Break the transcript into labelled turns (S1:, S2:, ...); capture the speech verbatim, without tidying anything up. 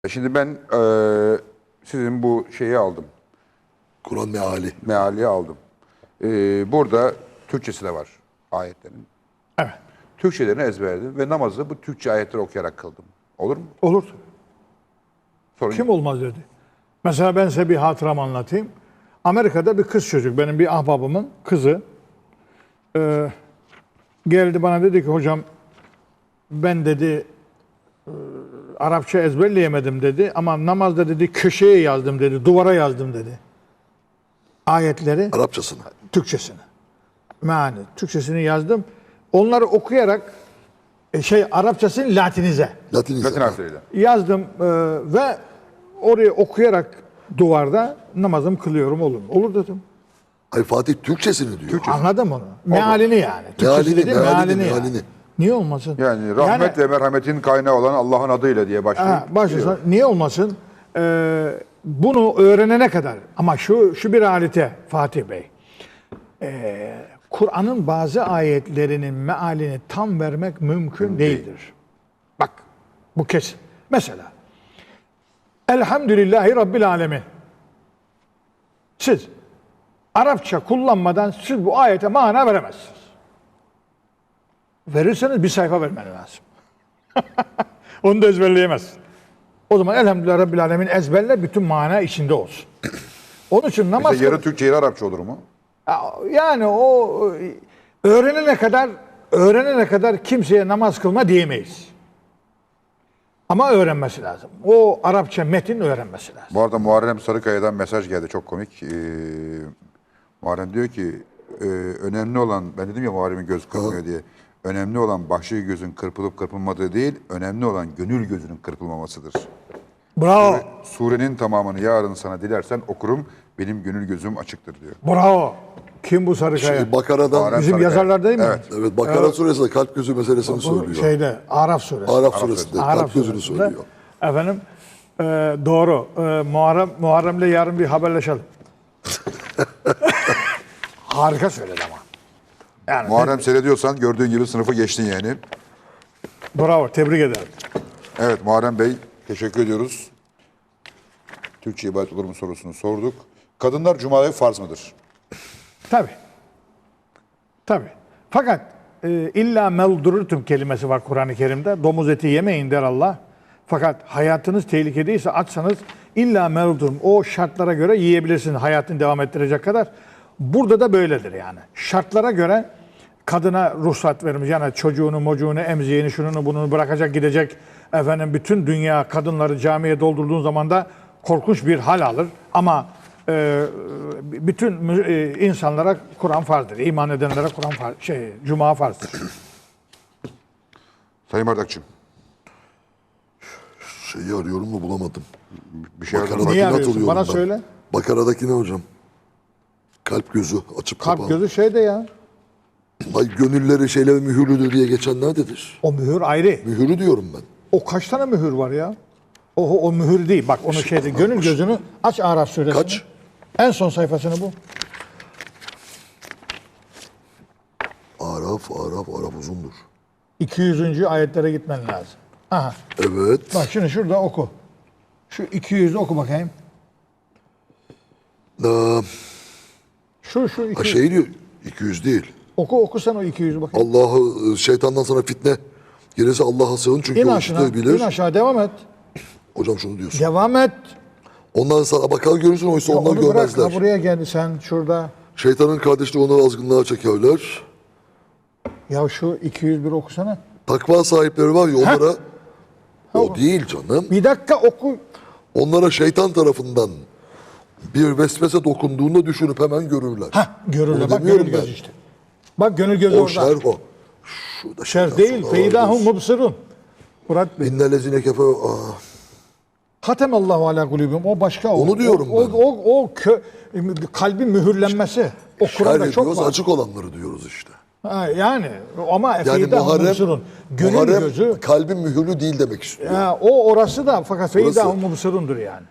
S1: Şimdi ben eee, sizin bu şeyi aldım.
S2: Kur'an meali.
S1: Meali aldım. Eee, burada Türkçesi de var ayetlerin.
S3: Evet.
S1: Türkçelerini ezberledim ve namazı bu Türkçe ayetleri okuyarak kıldım. Olur mu?
S3: Olur.
S1: Sorun
S3: Kim
S1: yok.
S3: olmaz dedi. Mesela ben size bir hatıramı anlatayım. Amerika'da bir kız çocuk, benim bir ahbabımın kızı e, geldi bana dedi ki hocam ben dedi e, Arapça ezberleyemedim dedi ama namazda dedi köşeye yazdım dedi, duvara yazdım dedi. Ayetleri,
S2: Arapçasını.
S3: Türkçesini. Meani, Türkçesini yazdım. Onları okuyarak e, şey Arapçasını Latinize
S2: Latinize.
S1: Latin harfleriyle.
S3: yazdım e, ve orayı okuyarak duvarda namazımı kılıyorum olur mu? Olur dedim.
S2: Ay Fatih Türkçesini diyor.
S3: Anladım onu. Mealini yani. Türkçesi
S2: Mealini,
S3: değil,
S2: mealini,
S3: mealini yani.
S2: mealini.
S3: Niye olmasın?
S1: Yani rahmet ve merhametin kaynağı olan Allah'ın adıyla diye başlıyor.
S3: Ha, başlasın. Niye olmasın? Ee, bunu öğrenene kadar ama şu şu bir realite Fatih Bey. Ee, Kur'an'ın bazı ayetlerinin mealini tam vermek mümkün değildir. Bak bu kesin. Mesela Elhamdülillahi Rabbil Alemin. Siz Arapça kullanmadan siz bu ayete mana veremezsiniz. Verirseniz bir sayfa vermen lazım. Onu da ezberleyemezsin. O zaman Elhamdülillah Rabbil Alemin ezberle bütün mana içinde olsun. Onun için namaz...
S1: Mesela yarı Türkçe yarı Arapça olur mu?
S3: Yani o öğrenene kadar öğrenene kadar kimseye namaz kılma diyemeyiz. Ama öğrenmesi lazım. O Arapça metin öğrenmesi lazım.
S1: Bu arada Muharrem Sarıkaya'dan mesaj geldi çok komik. Ee, Muharrem diyor ki e, önemli olan, ben dedim ya Muharrem'in göz kırpmıyor diye. Önemli olan başka gözün kırpılıp kırpılmadığı değil, önemli olan gönül gözünün kırpılmamasıdır.
S3: Bravo.
S1: Surenin tamamını yarın sana dilersen okurum, benim gönül gözüm açıktır diyor.
S3: Bravo. Kim bu Sarıkaya?
S2: Şey, Bakara'dan,
S1: Muharrem
S3: Bizim
S1: Sarıkaya.
S3: yazarlar değil mi?
S1: Evet.
S2: evet Bakara suresinde kalp gözü meselesini
S3: Bu
S2: söylüyor.
S3: şeyde Araf suresi.
S2: Arap suresinde
S3: Araf
S2: kalp gözünü
S3: suresinde.
S2: söylüyor.
S3: Efendim e, doğru. E, Muharrem Muharrem'le yarın bir haberleşelim. Harika söyledi ama. Yani
S1: Muharrem seyrediyorsan gördüğün gibi sınıfı geçtin yani.
S3: bravo. Tebrik ederim.
S1: Evet Muharrem Bey teşekkür ediyoruz. Türkçe ibadet olur mu sorusunu sorduk. Kadınlar Cuma'ya farz mıdır?
S3: Tabii. Tabii. Fakat e, illa meldururtum kelimesi var Kur'an-ı Kerim'de. Domuz eti yemeyin der Allah. Fakat hayatınız tehlikedeyse açsanız illa meldurum. O şartlara göre yiyebilirsiniz hayatını devam ettirecek kadar. Burada da böyledir yani. Şartlara göre kadına ruhsat verilmiş. Yani çocuğunu, mocuğunu, emziğini, şununu, bununu bırakacak gidecek. Efendim bütün dünya kadınları camiye doldurduğun zaman da korkunç bir hal alır. Ama e, bütün e, insanlara Kur'an farzdır. İman edenlere Kur'an farz, şey, Cuma farzdır.
S1: Sayın Bardakçım
S2: Şeyi arıyorum da bulamadım.
S1: bir şey yazın.
S2: Bakara'dakini
S3: Niye arıyorsun?
S2: hatırlıyorum
S3: Bana
S2: ben.
S3: söyle.
S2: Bakara'daki ne hocam? Kalp gözü açıp
S3: Kalp
S2: kapalı.
S3: gözü şeyde ya.
S2: Ay gönülleri şeyler mühürlüdür diye geçen nerededir?
S3: O mühür ayrı.
S2: Mühürü diyorum ben.
S3: O kaç tane mühür var ya? O, o mühür değil. Bak onu şeyde gönül gözünü aç Araf suresini.
S2: Kaç?
S3: En son sayfasını bu.
S2: Araf, Araf, Araf uzundur.
S3: iki yüzüncü ayetlere gitmen lazım. Aha.
S2: Evet.
S3: Bak şimdi şurada oku. Şu iki yüzü oku bakayım.
S2: Ee,
S3: Şu şu iki
S2: ha
S3: yüz.
S2: şey diyor, iki yüz değil.
S3: Oku oku sen o iki yüzü bakayım.
S2: Allah'ı, şeytandan sana fitne gelirse Allah'a sığın çünkü
S3: İn
S2: o
S3: aşağı.
S2: işte bilir.
S3: İn aşağı devam et.
S2: Hocam şunu diyorsun.
S3: Devam et.
S2: Ondan sana bakar görürsün oysa
S3: Ya
S2: onlar
S3: onu bırak.
S2: görmezler.
S3: Ha, buraya gel sen şurada.
S2: Şeytanın kardeşleri onları azgınlığa çekerler.
S3: Ya şu iki yüz bir okusana.
S2: Takva sahipleri var ya onlara o değil canım.
S3: Bir dakika oku.
S2: Onlara şeytan tarafından bir vesvese dokunduğunda düşünüp hemen görürler.
S3: Ha görürler.
S2: Onu
S3: Bak
S2: demiyorum
S3: gönül
S2: ben.
S3: gözü işte. Bak gönül gözü
S2: O
S3: orada.
S2: şerh o. Şurada
S3: Şer
S2: şeytan
S3: değil.
S2: sonra
S3: Feydahum
S2: ağırdır.
S3: mubsirun. Murat Bey.
S2: İnnellezine kefe ah.
S3: Hatemallahu ala kulübüm. O başka. O,
S2: Onu diyorum
S3: o,
S2: ben.
S3: O, o, o kö, kalbin mühürlenmesi. O Kur'an'da
S2: Şer
S3: çok
S2: ediyoruz
S3: var.
S2: açık olanları diyoruz işte.
S3: Ha, yani ama
S2: Yani
S3: feydahum
S2: Muharrem,
S3: mubsirun. Gönül
S2: Muharrem
S3: gözü.
S2: kalbin mühürlü değil demek istiyor.
S3: Ha, o orası da fakat
S2: Orası-
S3: feydahum mubsirundur yani.